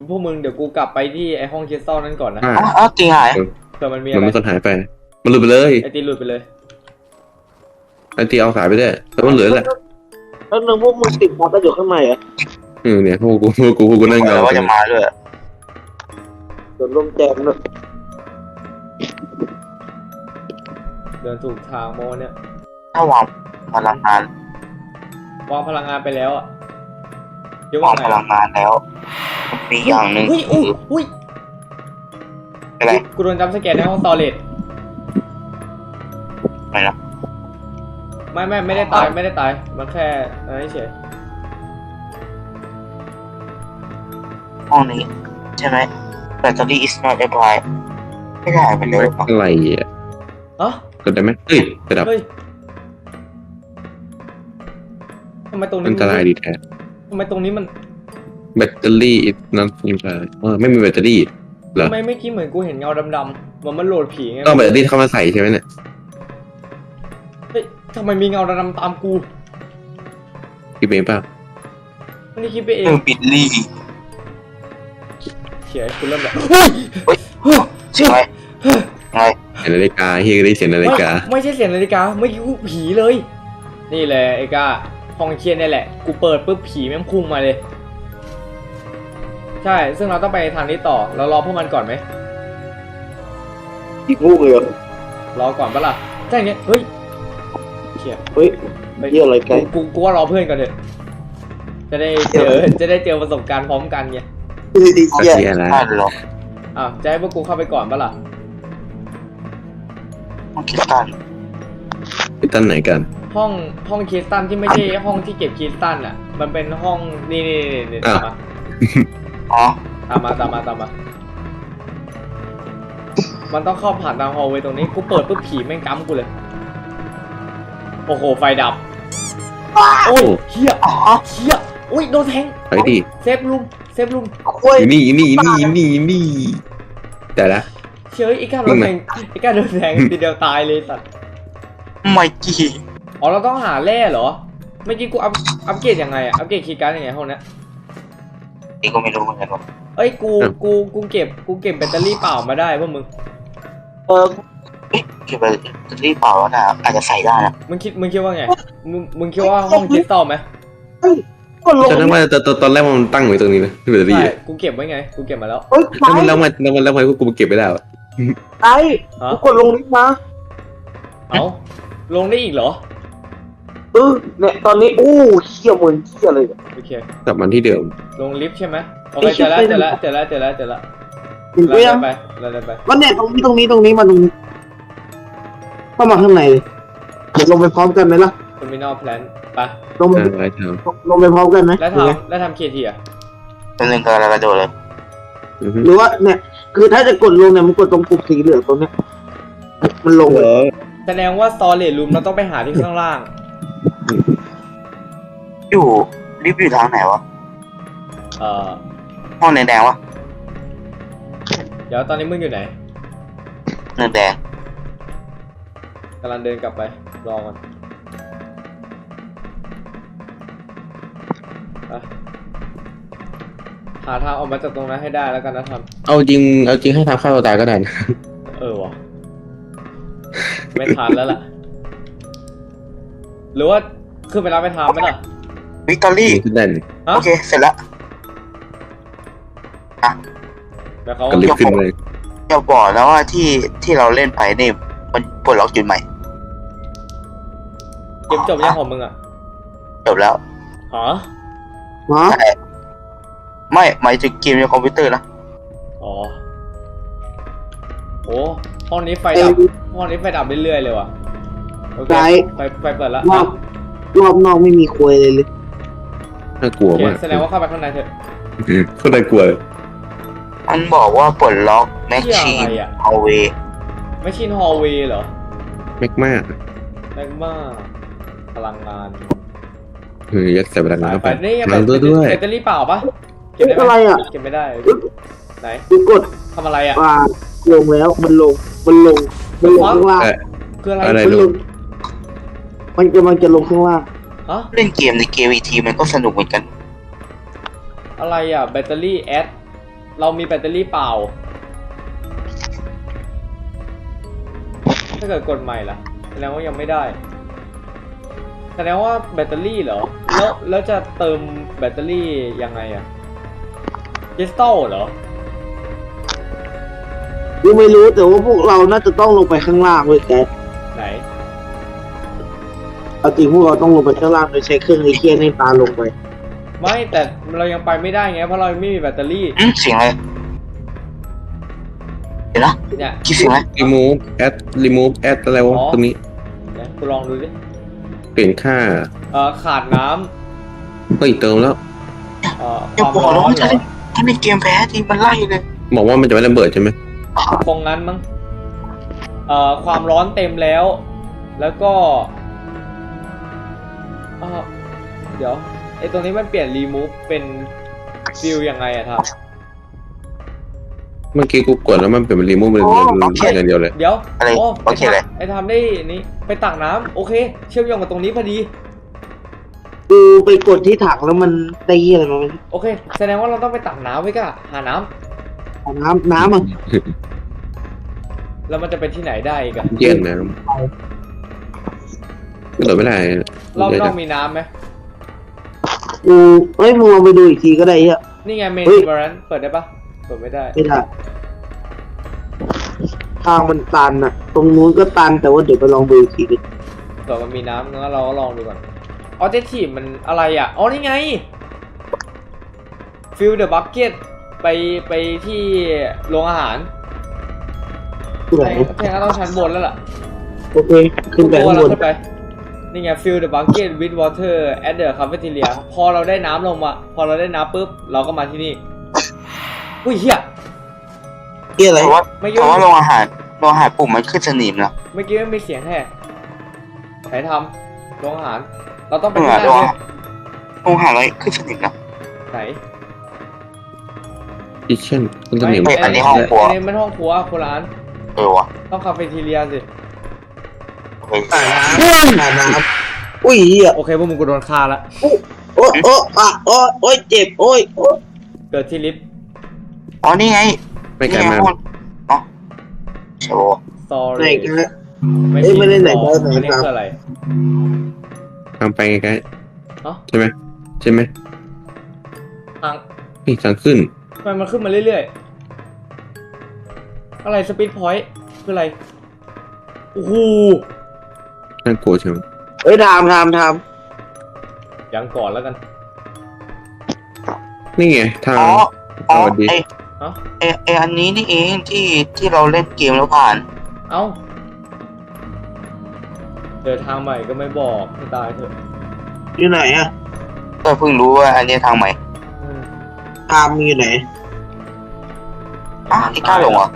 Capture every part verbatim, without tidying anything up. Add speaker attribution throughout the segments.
Speaker 1: พวกมึงเดี๋ยวกูกลับไปที่ไอห้องคริสตัลนั่นก่อนนะ
Speaker 2: อ่า
Speaker 3: อ๋ออ๋อจริงหาย
Speaker 1: เผื่อมันมี
Speaker 2: มั
Speaker 1: อะ
Speaker 2: น
Speaker 1: ไร
Speaker 2: ไม่คนหายไปมันหลุดไปเลย
Speaker 1: ไอตีหลุดไปเลย
Speaker 2: ไอตีเอาสายไปได้แต่มันเหลือแหละ
Speaker 4: แล้วนึงพวกมึงติดมาก็อยู่ข้างในอ่ะ
Speaker 2: เออเนี่ยพวกกูพวกกูพวกกูนั่ง
Speaker 3: แล้
Speaker 2: เงาว
Speaker 3: ว่าจะมาด้วย
Speaker 4: ส่วนลมแจมด้วย
Speaker 1: เดินถูกทางโมเนี่ย
Speaker 3: ถ้าวางพลังงาน
Speaker 1: วางพลังงานไปแล้วอะเดี๋ยว
Speaker 3: วาว
Speaker 1: าง ง
Speaker 3: พ
Speaker 1: ไง
Speaker 3: ลังงานแล้วมีอย่างหนึ่ง
Speaker 1: เฮ้ยอุ้ยอุ้ย
Speaker 3: อะไร
Speaker 1: กูโดนจำสแกนในห้องสตอเรจ
Speaker 3: อะไรนะ
Speaker 1: ไม่ไม่ไม่ได้ตายไม่ได้ตายมันแค่อะไรเฉย
Speaker 3: ห้องนี้ใช่ไหมแบตเตอรี่ is not applied ไม่ได้ไปเลยว่ะ
Speaker 2: อะไรอ่ะ
Speaker 1: อ๋อก
Speaker 2: ดได้ไหมเฮ้ยระดับ
Speaker 1: เฮ้ยทำไมตรงนี้
Speaker 2: อันตรายดีแท้
Speaker 1: ทำไมตรงนี้มัน
Speaker 2: แบตเตอรี่นั่นยังไงเออไม่มีแบตเตอรี่เหรอ
Speaker 1: ทำไมไม่คิดเหมือนกูเห็นเงาดำๆมันมันโหลดผีไง
Speaker 2: ต้องแบตเตอรี่เข้ามาใส่ใช่ไหมเนี่ย
Speaker 1: เฮ้ยทำไมมีเงาดำๆตามกู
Speaker 2: คิดเองเปล่า
Speaker 1: ไม่ได้คิดไปเอ
Speaker 3: เอง อบิลลี่
Speaker 1: เขียนคุณเริ่มแบบ
Speaker 3: ใช่ไหมไง
Speaker 2: เสียงนาฬิกาเฮียก็ได้เสียงนาฬิกา
Speaker 1: ไม่ไม่ใช่เสียงนาฬิกาไม่คิดว่าผีเลย นี่แหละไอ้ก้าห้องเชียนนี่แหละกูเปิดปุ๊บผีแม่งพุ่งมาเลย ใช่ซึ่งเราต้องไปทางนี้ต่อเรารอพวกมันก่อนไหม
Speaker 4: อีกลูกเลยเหรอ
Speaker 1: รอก่อนปะล่ะใช่อย่างเงี้ยเฮ้ยเขีย
Speaker 4: เฮ้ย
Speaker 1: ไป
Speaker 4: เหี้ยอะไรไกล
Speaker 1: กูกูว่ารอเพื่อนก่อนเถอะจะได้เจอจะได้เจอประสบการณ์พร้อมกันไง
Speaker 4: ดี
Speaker 2: ก็
Speaker 4: เหี้ย
Speaker 2: เสียแล้ว
Speaker 3: ได้หรอ
Speaker 1: อ้าวจะให้พวกกูเข้าไปก่อนปะล่ะ
Speaker 3: ต้องคิดกัน
Speaker 2: ไปตั้งไหนกัน
Speaker 1: ห้องห้องคริสตัลที่ไม่ใช่ห้องที่เก็บคริสตัลอ่ะ มันเป็นห้องนี่นี่นี่นี่ตามมา
Speaker 3: อ๋อ
Speaker 1: ตามมาตามมาตามมา มันต้องเข้าผ่านทางฮอลเวย์ตรงนี้กูเปิดปุ๊บผีแม่งกั๊มกูเลย โอ้โหไฟดับ โอ้ยเฮีย
Speaker 3: อ๋อ
Speaker 1: เฮียอุ้ยโดนแทง
Speaker 2: ไปดิ
Speaker 1: เซฟลุมเซฟลุม
Speaker 4: คุย
Speaker 2: อยู่นี่อยู่นี่อยู่นี่อยู่นี่อยู่นี่แต่ละ
Speaker 1: เชื่อไอ้ก้าโดนแทงไอ้ก้าโดนแทงทีเดียวตายเลยสัตว์
Speaker 3: ไม่กี่
Speaker 1: อ๋อเราต้องหาแร่เหรอเมื่อกี้กูอัพอัพเกรดยังไงอะอัพเกรดคีย์การ์ดยังไงห้องเนี้ย
Speaker 3: นี่ก็ไม่รู้เหมือนกันว่า
Speaker 1: เอ้ยกูกูกูเก็บกูเก็บแบตเตอรี่เปล่ามาได้พวกมึง
Speaker 4: เออ
Speaker 3: เอ๊ะเก็บไปจะรีบเปล่าแล้วนะอาจจะใส่ได้นะ
Speaker 1: มึงคิดมึงคิดว่าไงมึงมึงคิดว่าห้องคริสตัลไหม
Speaker 4: ก็ลง
Speaker 2: ตอนนั้นว่าตอนตอนแรกมันตั้งไว้ตรงนี้นะที่แบตเตอรี่
Speaker 1: ใช่
Speaker 2: อะ
Speaker 1: กูเก็บไว้ไงกูเก็บมาแล้ว
Speaker 4: เฮ้ยไกล
Speaker 2: แล้วมันแล้วมันแล้วมันแล้วมันกูเก็บไม่ได้วะ
Speaker 4: ไกล
Speaker 1: ฮะ
Speaker 4: กูกดลงลิฟต์มา
Speaker 1: เอ้าลงได้อีกเหรอ
Speaker 4: เออเนี่ยตอนนี้โอ้เหี้ยเหมือนเหี้ยเลย
Speaker 1: โอเค
Speaker 2: กลับมาที่เดิม
Speaker 1: ลงลิฟต์ใช่ไหมโอเคเจอแล้วเจอแล้วเจอแล้วเจอแล้วเจอแล้ว
Speaker 4: เห็น
Speaker 1: เรา
Speaker 4: ไหม
Speaker 1: เดิ
Speaker 4: ยัง
Speaker 1: นไปเราเดินไป
Speaker 4: วันเนี่ยตรงนี้ตรงนี้ตรงนี้มาตรงนี้เข้ามาข้างในเลยเดี๋ยวลงไปพร้อมกันไหมล่ะ
Speaker 1: เทอร์มินอลแพลนไป
Speaker 4: ลงไป
Speaker 2: อ่าไว้เถอะ
Speaker 4: ลงไปพร้อมกันไหม
Speaker 1: แล้ว
Speaker 4: หรือไง
Speaker 1: ทำแล้วทำเคทีอ่ะ
Speaker 3: เป็นเรื่องการกระโดดเลย
Speaker 2: อือฮึ
Speaker 4: หรือว่าเนี่ยคือถ้าจะกดลงเนี่ยมันกดตรงปุ่มสีเหลืองตรงเนี้ยมันลงเลย
Speaker 1: แสดงว่าสตอเรจรูมเราต้องไปหาที่ข้างล่าง
Speaker 3: อยู่รีบอยู่ทางไหนวะ
Speaker 1: เอ่อ
Speaker 3: ห้องแดงๆวะ
Speaker 1: เดี๋ยวตอนนี้มึงอยู่ไหน
Speaker 3: เนินแดง
Speaker 1: กำลังเดินกลับไปรอก่อนไปหาทางออกมาจากตรงนั้นให้ได้แล้วกันนะท
Speaker 2: เอาจริงเอาจริงให้ทำข้าวตัวตายก็ได้นะ
Speaker 1: ำเออวะไม่ทันแล้วล่ะ หรือว่าขึ้นไปรับไปทำไหมล่ะ
Speaker 3: วิกตอรี่
Speaker 2: ขึ้นได้นี่
Speaker 1: ฮะ
Speaker 3: โอเค เสร็จแล้ว
Speaker 1: แต่เขา
Speaker 2: ก็รีบขึ้นเลย
Speaker 3: อย่าบอกแล้วว่าที่ที่เราเล่นไปนี่มันปลดล็อกจุดใหม่
Speaker 1: เกมจบยังของมึงอ่ะ
Speaker 3: จบแล้ว
Speaker 1: ฮะ
Speaker 4: ฮะ
Speaker 3: ใช่ไม่หมายถึงเกมในคอมพิวเตอร์นะ
Speaker 1: อ๋อโอ้ห้องนี้ไฟดับห้องนี้ไฟดับเรื่อยๆเลยว่ะโอเคไฟไฟเปิดแล้ว
Speaker 4: รอบรอบนอกไม่มีควยเลยเลย
Speaker 2: น่ากลัว
Speaker 1: โอเค
Speaker 2: มาก
Speaker 1: แสดงว่าเข้าไปข้างในเถอะ
Speaker 2: โคตรน่ากลัวเลย
Speaker 3: มันบอกว่าปลดล็อกแมช
Speaker 1: เหี้ย
Speaker 3: ชี
Speaker 1: อะ
Speaker 3: น
Speaker 1: ไรอ่ะ
Speaker 3: ฮอลเวย์
Speaker 1: ไม่ชินฮอลเวย์เหรอ
Speaker 2: แม็กมาก
Speaker 1: แรงมากพลังงาน
Speaker 2: เออยัดใส่พลังงาน
Speaker 1: สาย
Speaker 2: เข้า
Speaker 1: ไฟ
Speaker 2: ไป
Speaker 1: นี่ยัง
Speaker 2: มา
Speaker 1: เป็น
Speaker 2: ด้วยด้วย
Speaker 1: แบตเตอรี่เปล่าปะเก็บได้
Speaker 4: อะไร
Speaker 1: ไหม
Speaker 4: อ่ะ
Speaker 1: เก็บไม่ได้ ไหน
Speaker 4: กูกด
Speaker 1: ทำอะไรอ่ะ
Speaker 4: ว่าลงแล้วมันลงมันลงมันลงข้างล่าง
Speaker 2: เออ
Speaker 1: คืออะไร
Speaker 2: อะไร
Speaker 4: มันลงมันกำลังจะลงข้างล่าง
Speaker 1: ฮะ
Speaker 3: เล่นเกมในเกมอีกทีมันก็สนุกเหมือนกัน
Speaker 1: อะไรอ่ะแบตเตอรี่แอดเรามีแบตเตอรี่เปล่าถ้าเกิดกดใหม่ล่ะแสดงว่ายังไม่ได้แสดงว่าแบตเตอรี่เหรอแล้วแล้วจะเติมแบตเตอรี่ยังไงอะคริสตัลเหรอ
Speaker 4: กูไม่รู้แต่ว่าพวกเราน่าจะต้องลงไปข้างล่างเว้ยแก
Speaker 1: ไหน
Speaker 4: เอาจริงพวกเราต้องลงไปข้างล่างโดยใช้เครื่องไอเคียนในตาลงไป
Speaker 1: ไม่แต่เรายังไปไม่ได้ไงเพราะเราไม่มีแบตเตอรี่
Speaker 3: อืมเสียงอะไรเดี๋ยวนะ
Speaker 1: เนี่ย
Speaker 3: คิดเสียงอะไร
Speaker 2: รีมูฟแอดรีมูฟแอดอะไรวะ
Speaker 1: อ๋อ
Speaker 2: ตรงนี้
Speaker 1: เดี๋ยวกูลองดูดิ
Speaker 2: เปลี่ยนค่า
Speaker 1: เอ่อขาดน้
Speaker 2: เฮ้ยเติมแล้ว
Speaker 1: ำเอ่อค
Speaker 3: อย่าว
Speaker 1: าม
Speaker 3: บอก
Speaker 1: ร้
Speaker 3: นะ
Speaker 1: อน
Speaker 3: ว่า
Speaker 1: เหร
Speaker 3: ถ้า
Speaker 1: อ
Speaker 3: เล่นถ้าเล่นเกมแพ้ทีมันไล่เลย
Speaker 2: บอกว่ามันจะไม่ระเบิดใช่ไหม
Speaker 1: คงงั้นมั้งเอ่อความร้อนเต็มแล้ว แล้วก็เอ่อเดี๋ยวไอตรงนี้มันเปลี่ยนรีมูฟเป็นฟิลยังไงอะครับ
Speaker 2: เมื่อกี้กูกดแล้วมันเป็นรีมูฟเป็นอย่างเดียวเลย
Speaker 1: เดี๋ยว
Speaker 3: อะไร
Speaker 1: โอ้
Speaker 3: โอเคเลย
Speaker 1: ไอทำได้นี่ไปตักน้ำโอเค เชื่อมโยงกับตรงนี้พอดี
Speaker 4: กูไปกดที่ถังแล้วมันตีอะไรมาไม่รู้
Speaker 1: โอเค แสดงว่าเราต้องไปตักน้ำไว้ก่ะหาน้
Speaker 4: เอาน้ำน้ำอ่ะ
Speaker 1: ำแล้วมันจะเป็นที่ไหนได้อีกอะ
Speaker 2: เย็นนะกระโดดไม่ได้
Speaker 1: รอบนอกมีน้ำไหม
Speaker 4: กูเฮ้ยมึงลองไปดูอีกทีก็ได้เฮีย
Speaker 1: นี่ไงเม
Speaker 4: เฮ้
Speaker 1: นู
Speaker 4: ย
Speaker 1: บารันเปิดได้ปะเปิดไม่ได้
Speaker 4: ไม่ได้ทางมันตันอ่ะ ตรงนู้นก็ตันแต่ว่าเดี๋ยวไปลองดูอีกทีดิ
Speaker 1: เผื่อมันมีน้ำงั้นเราก็ลองดูก่อนออเจทีมันอะไรอ่ะ อ๋อ นี่ไง ฟิลเดอะบักเก็ตไปไปที่โรงอาหาร
Speaker 4: ที่ไหน
Speaker 1: แทงก็ต้องชั้นบนแล้วล่ะ
Speaker 4: โอเคขึ้นไปข้างบน
Speaker 1: ขึ้นไป นี่ไง fill the bucket with water at the cafeteria พอเราได้น้ำลงมา พอเราได้น้ำปุ๊บ เราก็มาที่นี่ อุ้ยเฮีย
Speaker 4: เฮียอะไร
Speaker 3: เพราะว่า
Speaker 1: ไม่
Speaker 3: เพ
Speaker 1: ยุ่ง
Speaker 3: ราะว่าโรงอาหารโรงอาหารปุ่มมันขึ้นสนิมแล้ว
Speaker 1: เมื่อกี้ไม่มีเสียงแท้ไหนทำโรงอาหาร เราต้องไป
Speaker 3: โรง
Speaker 1: ที่
Speaker 3: อาหาร
Speaker 1: นั่น
Speaker 3: โรง
Speaker 1: เล
Speaker 3: อาย หารโรงอาหารอะไรขึ้นสนิมแล้ว
Speaker 1: ไหน
Speaker 2: คิทเช่นคุณต้อง
Speaker 1: ไม่
Speaker 2: เห็น
Speaker 3: ไม่อันนี้ห้องครัว
Speaker 1: อันนี้มันห้องครัวคนละอัน
Speaker 3: เออวะ
Speaker 1: ต้องคาเฟ่ทีเรียสิ
Speaker 3: เฮ้ย
Speaker 4: อ่าน้ำอ่าน้ำอุ้ยเฮีย
Speaker 1: โอเคพวกมึงกูโดนฆ่าละ
Speaker 4: โอ้โอ้อ่ะโอ้โอ้ยเจ็บโอ้ยโอ้ย
Speaker 1: เกิดที่ลิฟต์
Speaker 3: อ๋อนี่ไง
Speaker 2: ไม่ไกล
Speaker 3: นี่ไง
Speaker 2: มาก
Speaker 3: ห้องเนาะใช่ปะ
Speaker 4: ไหน
Speaker 1: sorry
Speaker 4: กันละ
Speaker 1: ไม่
Speaker 4: เอ้ยไม่ได้ไหน
Speaker 1: บอก
Speaker 4: ไหน
Speaker 1: อันนี้
Speaker 4: ครับ
Speaker 1: คืออะไร
Speaker 2: ทางไปใกล้
Speaker 1: เอ้า
Speaker 2: ๆใช่ไหมใช่ไหม
Speaker 1: ทาง
Speaker 2: นี่ทางขึ้น
Speaker 1: ทำไมมันขึ้นมาเรื่อยๆ อะไรสปีดพอยต์คืออะไร โอ้โห
Speaker 2: น่ากลัวใช่ไหม
Speaker 4: เอ้ยทามทามทาม
Speaker 1: ยังก่อนแล้วกัน
Speaker 2: นี่ไงทาง
Speaker 3: อ๋ออ๋อ
Speaker 2: สวัสดี
Speaker 3: ไอ
Speaker 1: เอ้า
Speaker 3: ไอไออันนี้นี่เองที่ที่เราเล่นเกมแล้วผ่าน
Speaker 1: เอ้าเดินทางใหม่ก็ไม่บอกให้ตายเถอะ
Speaker 4: อยู่ไหนอ่ะ
Speaker 3: ก็เพิ่งรู้ว่าอันนี้ทางใหม่
Speaker 1: อืม
Speaker 4: ทามมีอยู่ไหน
Speaker 3: อ่ะไอ้กล้าลงเหรอ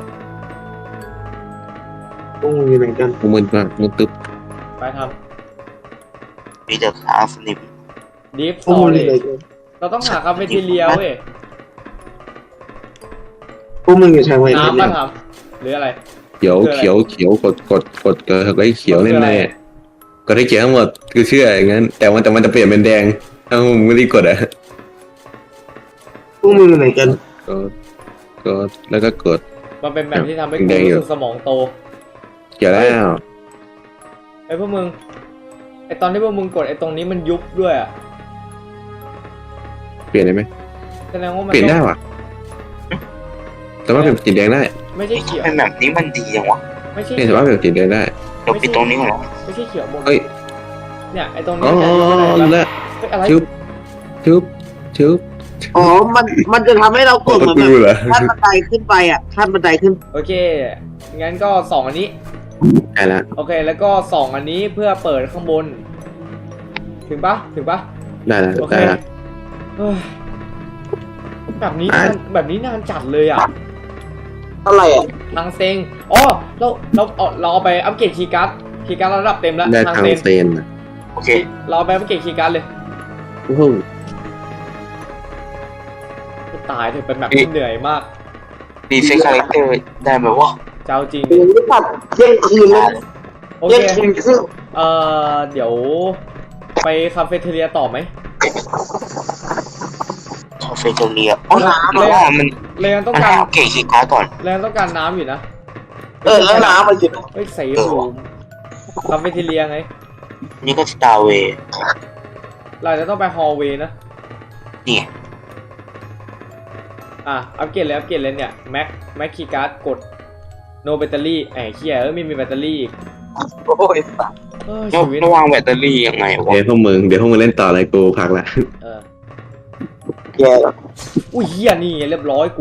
Speaker 4: พวกมึงอยู่ไหนกัน
Speaker 2: กูมึนมากมึนตึ๊บ
Speaker 1: ไปท
Speaker 3: มีแต่ทางสนิม
Speaker 1: ำดีฟ
Speaker 4: พวก
Speaker 1: ต่
Speaker 4: มึ
Speaker 1: อง
Speaker 4: อ
Speaker 1: เล
Speaker 4: ยู่ไหน
Speaker 1: ย
Speaker 4: กัน
Speaker 1: เราต้องหาคาเฟ่ทีเรียเว้ย
Speaker 4: พวกมึงอยู่ทางไหนกัน
Speaker 1: น้ำ
Speaker 4: เนี่
Speaker 1: มาย ทำหรืออะไร
Speaker 2: เขียว
Speaker 1: คืออะไร
Speaker 2: เขียวเขียวกดกดกดเกิดอะไรเขียว
Speaker 1: คืออะไร
Speaker 2: แน่ๆกดให้เขียวทั้งหมดคือเชื่ออย่างนั้น แต่มันแต่มันจะเปลี่ยนเป็นแดงถ้ามึงไม่ได้กดอ่ะ
Speaker 4: พวกมึงอยู่ไหนกัน
Speaker 2: กดกดแล้วก็กด
Speaker 1: มันเป็นแบบที่ทำให้กู
Speaker 2: แดงๆอยู่
Speaker 1: รู้สึกสมองโต
Speaker 2: เขียวแล้ว
Speaker 1: ไอ้พวกมึง ไอ้ตอนที่พวกมึงกดไอ้ตรงนี้มันยุบด้วยอ่ะ
Speaker 2: เปลี่ยนได้ไหม
Speaker 1: แสดงว่ามัน
Speaker 2: เปลี่ยนได้
Speaker 1: ต้อง
Speaker 2: ว่ะแต่ว่าเป็นสีแดงได้
Speaker 1: ไม่ใช่
Speaker 3: ไอ้
Speaker 1: เขียว
Speaker 3: ทำไมแบบนี้มันดีจังวะ
Speaker 1: ไม่ใช่
Speaker 2: เนี่ย
Speaker 1: เขี
Speaker 2: แต่
Speaker 1: ยว
Speaker 2: ว่าเป็นสีแดงได้
Speaker 3: เดี๋ยวปิดตรงนี้ก่อนนะ
Speaker 1: ไม่ใช่เขียวหมด
Speaker 2: เฮ้ย
Speaker 1: เนี่ยไอ้ตรงนี้
Speaker 2: อ๋อ
Speaker 1: เนี่ย
Speaker 2: แล้ว
Speaker 1: เฮ้ยอะไร
Speaker 2: ชุบชุบชุบ
Speaker 4: อ๋อ มัน มันจะทำให้เรากด
Speaker 2: ประ
Speaker 4: เหมือน
Speaker 2: ตู
Speaker 4: แบบ
Speaker 2: เหรอ
Speaker 4: ขั้นบันไดขึ้นไปอ่ะขั้นบันไดขึ้น
Speaker 1: โอเค งั้นก็สองอันนี้
Speaker 2: ใช่ละ
Speaker 1: โอเค แล้วก็สองอันนี้เพื่อเปิดข้างบน ถึงปะถึงปะ
Speaker 2: ได้ละ
Speaker 1: โอเค
Speaker 2: ได้ละ
Speaker 1: เฮ้ยแบบนี้
Speaker 2: อ่ะ
Speaker 1: นานแบบนี้นานจัดเลยอ่ะ
Speaker 4: อะไรอ่ะ
Speaker 1: ทางเซ็งอ๋อเราเราเอาเราเอาไปอัปเกรดคีย์การ์ดคีย์การ์ดระดับเต็มแล้ว
Speaker 2: ได้
Speaker 1: ทาง
Speaker 2: ทาง
Speaker 1: เซ็ง
Speaker 2: เซนนะ
Speaker 3: โอเค
Speaker 1: เราเอาไปอัปเกรดคีย์การ์ดเลย
Speaker 2: โอ้โห
Speaker 1: ตายเถอะเป็นแบบที่เหนื่อยมาก
Speaker 3: ดีเซ็ตคาแรคเตอร์ได้ไหมวะ
Speaker 1: เจ้าจริง
Speaker 4: โอ้ยตัดเที่ยงคืนแล้ว
Speaker 1: โอ
Speaker 4: เที่ย
Speaker 1: เค
Speaker 4: งคืนครึ่ง
Speaker 1: เอ่อ เดี๋ยวไปคาเฟ่เทเรียต่อไหม
Speaker 3: คาเฟเบเกอรี่อ่ะอ๋อน้ำอ่ะมัน
Speaker 1: เรายังต้อง
Speaker 3: มัน
Speaker 1: กา
Speaker 3: ให้
Speaker 1: ร
Speaker 3: เอาเกจคีย์การ์ดก่อน
Speaker 1: เรายังต้องการน้ำอยู่นะ
Speaker 4: เออแล้วน้ำมันจะ
Speaker 1: เฮ้ยใส่รูมคาเฟ่เทเลียไง
Speaker 3: นี่ก็สตาร์เวย์
Speaker 1: เราจะต้องไปฮอลเวย์นะ
Speaker 3: นี่
Speaker 1: อ่ะอัปเกรดเลยอัปเกรดเลยเนี่ยแม็กแม็กคีย์การ์ดกด no แบตเตอรี่ไอ้เหี้ยเอ้ยไม่มีแบตเตอรี่อีก
Speaker 4: โอ้ยสัตว์
Speaker 1: เออ
Speaker 3: แล้ว
Speaker 1: ชีวิต
Speaker 3: ระวางแบตเตอรี่ยังไงวะ
Speaker 2: เดี๋ยวพวกมึงเดี๋ยวพวกมึงเล่นต่ออะไรกูพักละ
Speaker 1: เออ
Speaker 4: แย่แล้ว
Speaker 1: อุ้ยเหี้ยนี่เรียบร้อยกู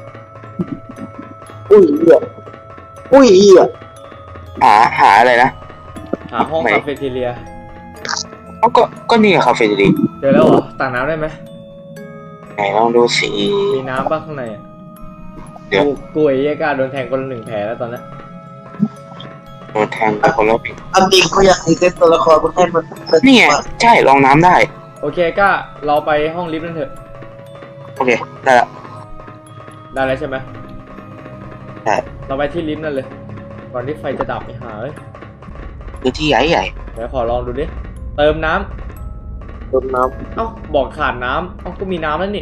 Speaker 4: อุ้ยเหี้ยอุ้ยเหี้ย
Speaker 3: หาหาอะไรนะ
Speaker 1: หาห้อง
Speaker 3: ไหน
Speaker 1: คาเฟ่เทเลีย
Speaker 3: เอ้าก็ก็นี่อะคาเฟ่ดี
Speaker 1: เจอแล้วเหรอตักน้ำได้ไหม
Speaker 3: ไหนลองดูสิ
Speaker 1: มีน้ำบ้างข้างในอ่ะ
Speaker 3: เดี๋ยว
Speaker 1: กูกูไอ้เหี้ยกล้าโดนแทงคนละหนึ่งแผลแล้วตอนนี้
Speaker 3: โดนแทงไปคนละปี
Speaker 4: อันจริงกูอยากให้เซ็ตตัวละครมันให้มันเป็
Speaker 3: นี่ไงใช่ลองน้ำได้
Speaker 1: โอเคกล้าเราไปห้องลิฟต์นั่นเถอะ
Speaker 3: โอเคได้ละ
Speaker 1: ได้แล้วใช่ไหม
Speaker 3: ใช่
Speaker 1: เราไปที่ลิฟต์นั่นเลย ก่อนที่ไฟจะดับไปหาเอ้ย
Speaker 3: คือที่ใหญ่ใหญ่
Speaker 1: เดี๋ยวขอลองดูดิเติมน้ำ
Speaker 4: โดนน้
Speaker 1: เอ้าบอกขาดน้ำเอ้าก็มีน้ำแล้วนี่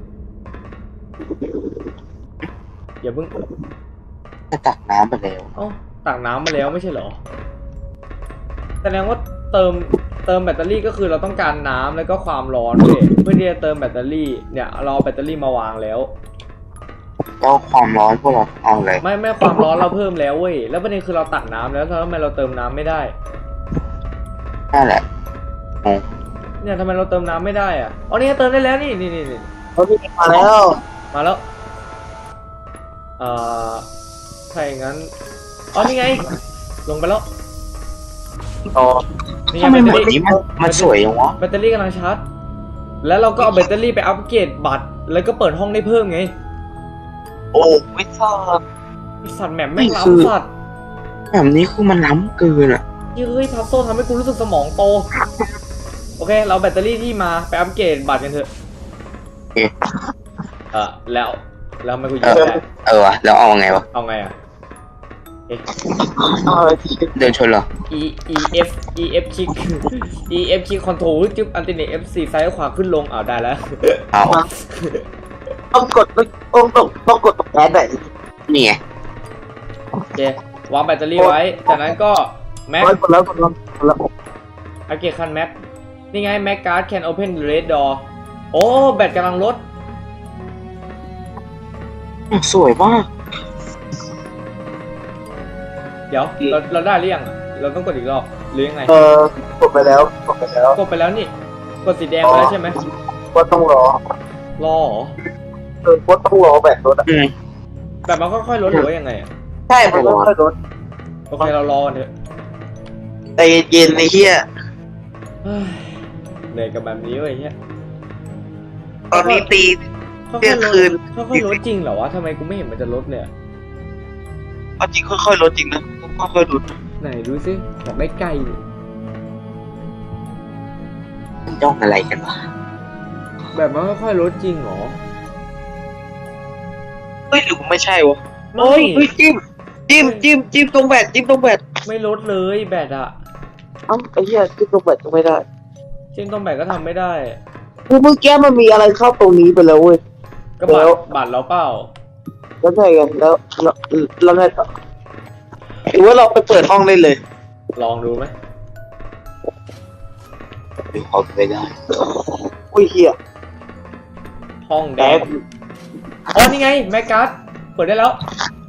Speaker 1: อย่าเพิ่ง
Speaker 3: จะตักน้ำไปแล้ว
Speaker 1: เอ้าตักน้ำมาแล้วไม่ใช่เหรอแสดงว่าเติมเติมแบตเตอรี่ก็คือเราต้องการน้ำแล้วก็ความร้อนเว้ยเพื่อที่จะเติมแบตเตอรี่เนี่ยเราเอาแบตเตอรี่มาวางแล้ว
Speaker 3: แล้วความร้อนพวกเราเอาอะไร
Speaker 1: ไม่ไม่ความร้อนเราเพิ่มแล้วเว้ยแล้วประเด็นคือเราตักน้ำแล้วแล้วทำไมเราเติมน้ำไม่ได้
Speaker 3: นั่นแหละงง
Speaker 1: เนี่ยทำไมเราเติมน้ำไม่ได้อ่ะอ๋อนี่ไงเติมได้แล้วนี่นี่นี่นี่
Speaker 4: ำเขาที่มาแล้ว
Speaker 1: มาแล้วเอ่อถ้าอย่างนั้นอ๋อนี่ไงลงไปแล้ว
Speaker 4: ต่อ
Speaker 1: นี่ไง
Speaker 3: ทำไม
Speaker 1: แบต
Speaker 3: หม
Speaker 1: เตอ
Speaker 3: ดนี้
Speaker 1: รี่
Speaker 3: มันมันสวยอย่างวะ
Speaker 1: แบตเตอรี่กำลังชาร์จแล้วเราก็เอาแบตเตอรี่ไปอัปเกรดบัตรแล้วก็เปิดห้องได้เพิ่มไง
Speaker 4: โอ้ไม่ทราบ
Speaker 1: ไอ้สัตว์แหม่มแม่งล้ำสัตว์
Speaker 3: แบบนี้คือมันล้ำเกินอ่ะ
Speaker 1: เฮ้ยพัซโซทำให้กูรู้สึกสมองโต โอเค เราแบตเตอรี่ที่มาไปอัปเกรดบัตรกันเถอะ
Speaker 3: เอ๊ะ
Speaker 1: เออแล้วแล้วทำไมกูยิ
Speaker 3: เอง อ
Speaker 1: ไม่ได้
Speaker 3: เออวะแล้วเอาไงวะ
Speaker 1: เอาไงอ่ะเอ๊ะ
Speaker 4: เอาไอ้ที่
Speaker 3: เดินชนเหรอ
Speaker 1: E E F E F คลิก E F คลิกคอนโทรลจึ๊บอันติเนต F สี่ซ้ายขวาขึ้นลงอ้าวได้แล้ว
Speaker 3: เอา
Speaker 4: ต้องกดต้องต้องต้องกดตรงแอดไหน
Speaker 3: นี่ไง
Speaker 1: โอเควางแบตเตอรี่ไว้ จากนั้นก็แม็ก
Speaker 4: ร้อยกดแล้วกดแล้วกดแล้ว
Speaker 1: อัปเกรดคันแม็กนี่ไงแม็กการ์ด can open the red door โอ้แบตกำลังลด
Speaker 3: สวยมาก
Speaker 1: เดี๋ยวเราเราได้หรือยังอะเราต้องกดอีกรอบหรือยังไง
Speaker 4: เออกดไปแล้วกดไปแล้ว
Speaker 1: กดไปแล้วนี่กดสีแดงไปแล้วใช่ไหม
Speaker 4: ก็ต้องรอ
Speaker 1: รอเหรอ
Speaker 4: เออก็ต้องรอแบบรถอ่ะ
Speaker 3: อืม
Speaker 1: แบบมันค่อยๆลดหรือว่ายังไงอะ
Speaker 4: ใช่มันต้องค่อยรถ
Speaker 1: โอเคเรารอกันเถอะ
Speaker 4: ใจเย็นๆไอ้เหี้ย
Speaker 1: เฮ้ยเหนื่อยกับแบบนี้เว้ยเฮีย
Speaker 4: ตอนนี้ตี
Speaker 1: ค่อย
Speaker 4: เที่ยง
Speaker 1: ๆลด
Speaker 4: คืน
Speaker 1: ค่อยๆลดจริงเหรอวะทำไมกูไม่เห็นมันจะลดเลยอะ
Speaker 4: เอาจริงค่อยๆลดจริงนะค่อยๆลด
Speaker 1: ไหนดูสิอยากได้ไก่ดิ
Speaker 3: มันจ้องอะไรกันวะ
Speaker 1: แบบมันค่อยๆลดจริงเหรอ
Speaker 4: เฮ้ยหรือไม่ใช่วะ
Speaker 1: ไม่
Speaker 4: โอ้ยเฮ้ยจิ้มจิ้มจิ้มจิ้มตรงแบตจิ้มตรงแบต
Speaker 1: ไม่ลดเลยแบตอะ
Speaker 4: เอ้าไอ้เหี้ยจิ้มตรงแบตก็ไม่ได้
Speaker 1: จริงต้นแบตก็ทำไม่ได้
Speaker 4: คือเมื่อกี้มันมีอะไรเข้าตรงนี้ไปแล้วเว้ย
Speaker 1: ก็บัต
Speaker 4: แล้
Speaker 1: ร
Speaker 4: ว
Speaker 1: บัตรเราเปล่า
Speaker 4: แล้วไงกันแล้วแล้วแล้วไงต่อหรือว่าเราไปเปิดห้องได้เลย
Speaker 1: ลองดูไหม
Speaker 3: ดูเขาไปได้
Speaker 4: อุ้ยเหี้ย
Speaker 1: ห้องแด
Speaker 4: แด
Speaker 1: ง
Speaker 4: ง
Speaker 1: อ๋อนี่ไงแมกการ์ดเปิดได้แล้ว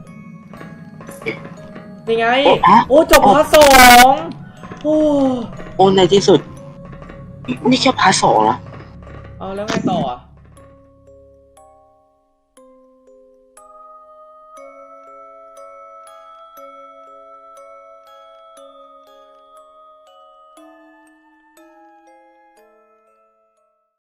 Speaker 1: นี่ไง
Speaker 3: โอ้ฮะ
Speaker 1: โอ้จบพาร์ทสองโอ้
Speaker 3: โอ้ในที่สุด นี่แค่พาร์ทสองนะ
Speaker 1: เอาแล้วไงต่ออ่ะ